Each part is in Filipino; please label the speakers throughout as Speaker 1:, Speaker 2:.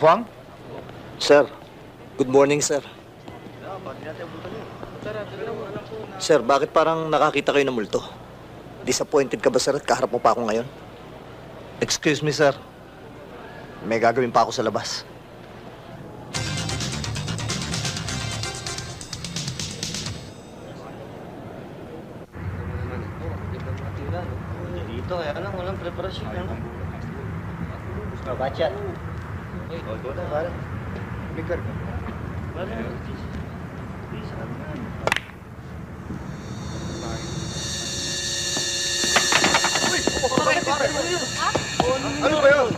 Speaker 1: Huang?
Speaker 2: Sir, good morning, sir. Sir, bakit parang nakakita kayo ng multo? Disappointed ka ba, sir, at kaharap mo pa ako ngayon? Excuse me, sir. May gagawin pa ako sa labas.
Speaker 3: Dito, kaya lang, walang preparasyon. Bachat. Oh, ito na, pare. Bigger ka.
Speaker 1: Ano ba yun?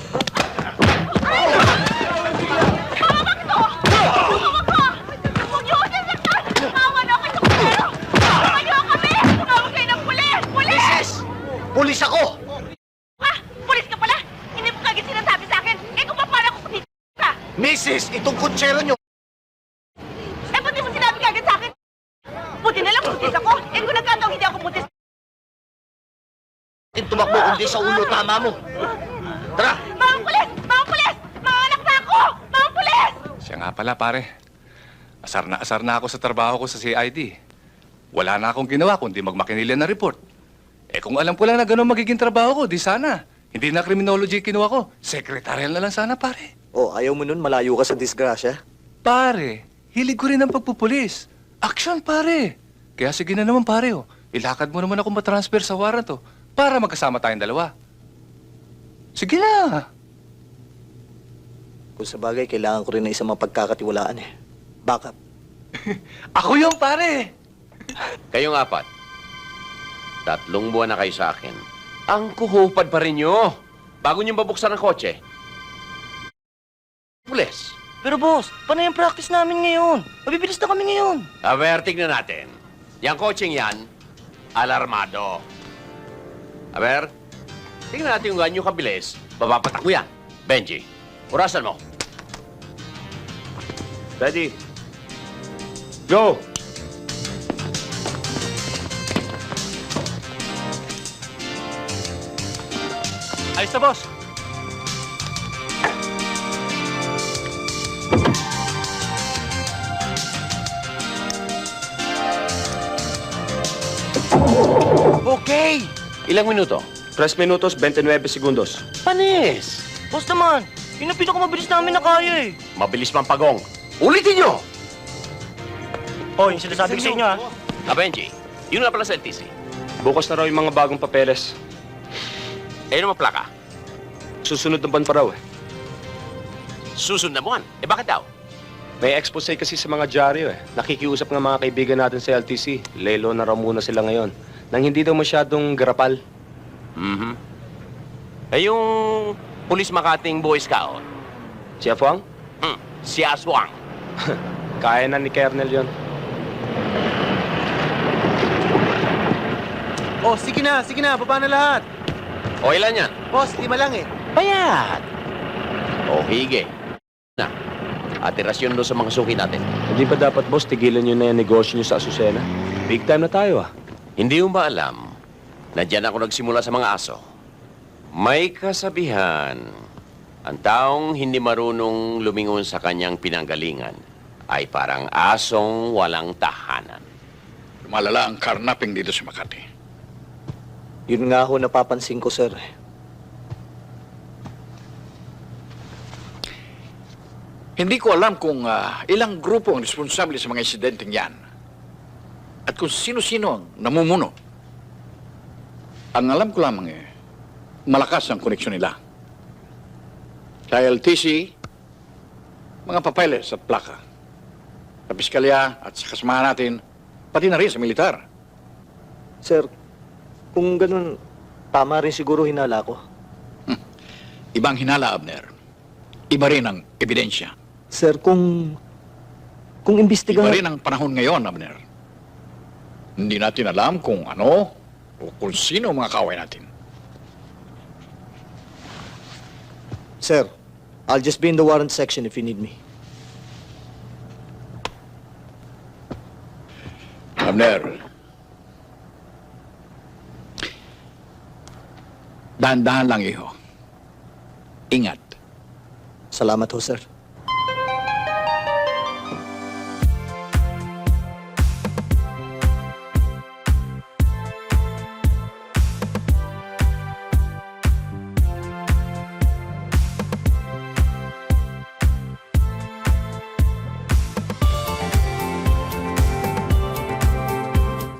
Speaker 2: Pulis ako!
Speaker 4: Pulis ka pala! Hindi mo kagad sinasabi sa akin! Eh kung paano ako pulis ka?
Speaker 2: Mrs., itong kutsero nyo!
Speaker 4: Eh buti mo sinabi kagad sa akin! Buti na lang pulis ako! Eh kung nagkataong hindi ako pulis...
Speaker 2: Tumakbo kundi sa ulo tama mo! Tara!
Speaker 4: Mga pulis! Mga pulis! Mga anak na ako! Mga pulis!
Speaker 1: Siya nga pala, pare. Asar na ako sa trabaho ko sa CID. Wala na akong ginawa kundi magmakinilya na report. Eh kung alam ko lang na gano'n magiging trabaho ko, di sana. Hindi na criminology kinuha ko. Secretarial na lang sana, pare.
Speaker 2: Oh, ayaw mo nun, malayo ka sa disgrasya.
Speaker 1: Pare, hilig ko rin ang pagpupulis. Action, pare. Kaya sige na naman, pare. Oh. Ilakad mo naman ako matransfer sa warrant, oh, para magkasama tayong dalawa. Sige na.
Speaker 2: Kung sa bagay, kailangan ko rin ng isang mapagkakatiwalaan eh. Backup.
Speaker 1: Ako yung pare.
Speaker 5: Kayong apat, 3 buwan na kayo sa akin. Ang kuhupad pa rin nyo. Bago nyo babuksan ang kotse. Pulis.
Speaker 3: Pero boss, paano yung practice namin ngayon? Mabibilis na kami ngayon.
Speaker 5: Aber, tignan natin. Yang kotseng yan, alarmado. Aber, tignan natin kung ganyo kabilis. Babapatak mo yan. Benji, orasan mo.
Speaker 6: Ready. Go!
Speaker 1: Ayos na, boss.
Speaker 5: Okay! Ilang minuto?
Speaker 6: 3 minutos, 29 segundos.
Speaker 5: Panis!
Speaker 3: Boss naman, yun ang pinakamabilis namin na kaya eh.
Speaker 5: Mabilis man pagong. Ulitin nyo!
Speaker 3: Oh, yung sinasabi ko sa inyo ah.
Speaker 5: Benji, yun nga pala sa LTC.
Speaker 6: Bukas na raw yung mga bagong papeles.
Speaker 5: Eh, ano plaka?
Speaker 6: Susunod na buwan pa raw eh.
Speaker 5: Susunod na buwan. Eh, bakit daw?
Speaker 6: May expose kasi sa mga dyaryo eh. Nakikiusap ng mga kaibigan natin sa LTC. Lelo na raw muna sila ngayon. Nang hindi daw masyadong garapal.
Speaker 5: Mhm. Eh, yung pulis Makating Boy Scout,
Speaker 6: Si Afuang?
Speaker 5: si Aswang.
Speaker 6: Kaya na ni Kernel yon.
Speaker 7: Oh, sige na, baba na lahat.
Speaker 5: O, ilan yan?
Speaker 7: Boss, 5 lang eh.
Speaker 5: Bayad. O, hige. Na, atirasyon doon sa mga suki natin.
Speaker 6: Hindi ba dapat, boss, tigilan nyo na yung negosyo nyo sa Azucena? Big time na tayo ah.
Speaker 5: Hindi mo ba alam na dyan ako nagsimula sa mga aso? May kasabihan, ang taong hindi marunong lumingon sa kanyang pinanggalingan ay parang asong walang tahanan.
Speaker 8: Lumalala ang karnaping dito sa Makati.
Speaker 2: Yun nga ho napapansin ko, sir.
Speaker 8: Hindi ko alam kung ilang grupo ang responsable sa mga insidenteng yan. At kung sino-sino ang namumuno. Ang alam ko lamang malakas ang koneksyon nila. Sa LTC, mga papeles at plaka. Sa piskalya at sa kasamahan natin, pati na rin sa militar.
Speaker 2: Sir, kung ganun, tama rin siguro hinala ko.
Speaker 8: Ibang hinala, Abner. Iba rin ang ebidensya.
Speaker 2: Sir, kung
Speaker 8: Iba
Speaker 2: imbestigahan...
Speaker 8: rin ang panahon ngayon, Abner. Hindi natin alam kung ano o kung sino ang mga kaaway natin.
Speaker 2: Sir, I'll just be in the warrant section if you need me.
Speaker 8: Abner, dahan-dahan lang, iho. Ingat.
Speaker 2: Salamat ho, sir.